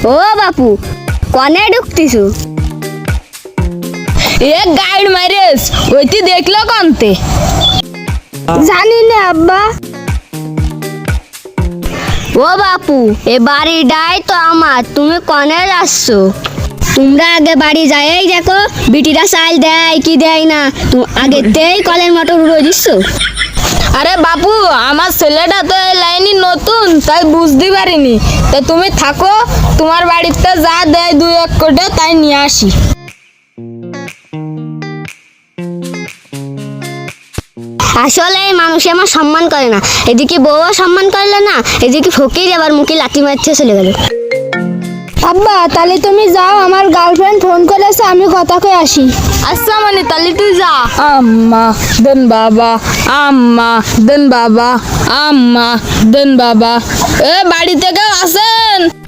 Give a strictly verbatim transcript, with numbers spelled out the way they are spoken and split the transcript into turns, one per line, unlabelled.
ও বাপু কনে ঢুকতিছু?
A guide মাইরেস ওইটি দেখলো কন্তে?
জানি না আব্বা। ও বাপু এ বাড়িটাই তো আমার, তুমি কনে যাচ্ছ? তোমরা আগে বাড়ি যাই দেখো বিটিরা চাল দেয় কি দেয় না, তুমি আগেতেই কলের মোটর উড়ে দিচ্ছ।
আরে বাপু আমার ছেলেটা তো এই লাইনে নতুন, তাই বুঝতে পারিনি। তাই তুমি থাকো, তোমার বাড়িতে যা দেয় দুই এক কোটে তাই নিয়ে আসি।
আসলে এই মানুষ আমার সম্মান করে না, এদিকে বউও সম্মান করলে না, এদিকে ফকির আবার মুখে লাথি মারতে চলে গেল। আব্বা তাহলে তুমি যাও, আমার গার্লফ্রেন্ড ফোন করেছে, আমি কথা কয়ে আসি।
আচ্ছা মানে তাহলে তুই যা। আম্মা দেন বাবা, আম্মা দেন বাবা, আম্মা দেন বাবা। এ বাড়িতে কেউ আছেন?